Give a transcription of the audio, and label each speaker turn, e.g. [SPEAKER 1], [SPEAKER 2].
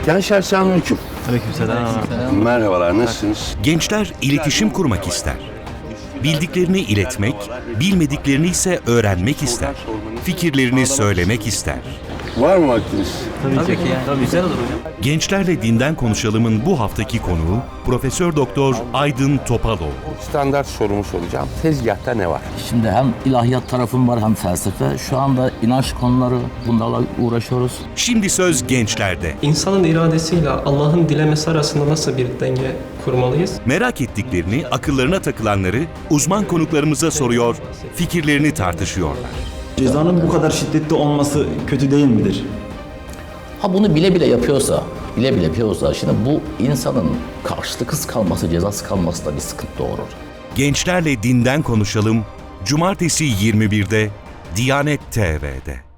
[SPEAKER 1] Gençler selamünaleyküm.
[SPEAKER 2] Aleykümselam.
[SPEAKER 1] Merhabalar, nasılsınız?
[SPEAKER 3] Gençler iletişim kurmak ister. Bildiklerini iletmek, bilmediklerini ise öğrenmek ister. Fikirlerini söylemek ister.
[SPEAKER 1] Var mı vaktiniz?
[SPEAKER 2] Tabii ki. Tabii güzel olur hocam.
[SPEAKER 3] Gençlerle Dinden Konuşalım'ın bu haftaki konuğu Profesör Doktor Aydın Topaloğlu.
[SPEAKER 1] Standart sorumu soracağım. Tezgahta ne var?
[SPEAKER 4] Şimdi hem ilahiyat tarafım var hem felsefe. Şu anda inanç konuları bunlarla uğraşıyoruz.
[SPEAKER 3] Şimdi söz gençlerde.
[SPEAKER 5] İnsanın iradesiyle Allah'ın dilemesi arasında nasıl bir denge kurmalıyız?
[SPEAKER 3] Merak ettiklerini, akıllarına takılanları uzman konuklarımıza soruyor, fikirlerini tartışıyorlar.
[SPEAKER 2] Cezanın bu kadar şiddetli olması kötü değil midir?
[SPEAKER 4] Ha bunu bile bile yapıyorsa, şimdi bu insanın karşılıksız kalması, cezası kalması da bir sıkıntı doğurur.
[SPEAKER 3] Gençlerle Dinden Konuşalım, Cumartesi 21'de Diyanet TV'de.